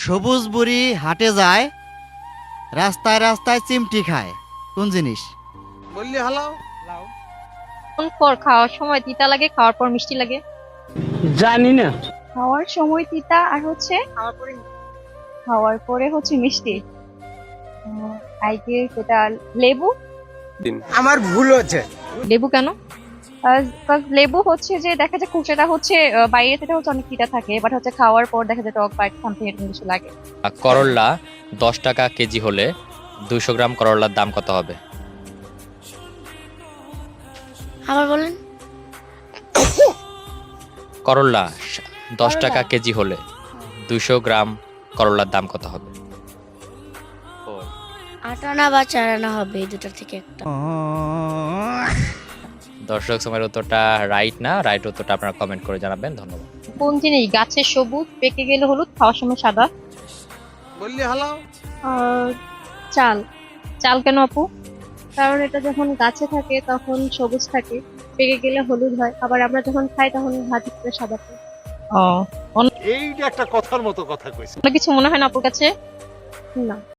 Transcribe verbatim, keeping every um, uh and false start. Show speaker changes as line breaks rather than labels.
সবুজ বুড়ি হাটে যায়, রাস্তায় রাস্তায় চিমটি খায়, কোন জিনিস?
বললি হালাও
কোন পর খাওয়ার সময় তিতা লাগে, খাওয়ার পর মিষ্টি লাগে?
জানি না।
খাওয়ার সময় তিতা আর হচ্ছে
খাওয়ার পরে
খাওয়ার পরে হচ্ছে মিষ্টি। আই গেস এটা লেবু।
আমার ভুল হচ্ছে।
লেবু কেন?
আহ, লেবু হচ্ছে যে দেখা যায় খোসাটা হচ্ছে আহ, বাইরে থেকে হচ্ছে অনেক তিতা থাকে, বাট হচ্ছে খাওয়ার পর দেখা যায় টক বা সামথিং এরকম কিছু লাগে।
করল্লা দশ টাকা কেজি হলে দুইশো গ্রাম করল্লার দাম কত হবে?
আবার বলেন।
করল্লা দশ
করল্লা।
টাকা কেজি হলে দুইশো গ্রাম করল্লার দাম কত হবে?
আট আনা বা চার আনা হবে, এই দুটার থেকে একটা।
দর্শক সময়ের উত্তরটা রাইট না, রাইট উত্তরটা আপনারা কমেন্ট করে জানাবেন। ধন্যবাদ।
কোন জিনিস গাছের সবুজ, পেকে গেলে হলুদ, খাওয়ার সময় সাদা?
বললি হালাও
আহ, চাল।
চাল কেন আপু?
কারণ এটা যখন গাছে থাকে তখন সবুজ থাকে, পেকে গেলে হলুদ হয়, আবার আমরা যখন খাই তখন ভাজি করে সাদা পাই।
ও,
এইটা একটা কথার মতো কথা কইছে।
অন্য কিছু মনে হয় না আপুর কাছে?
না।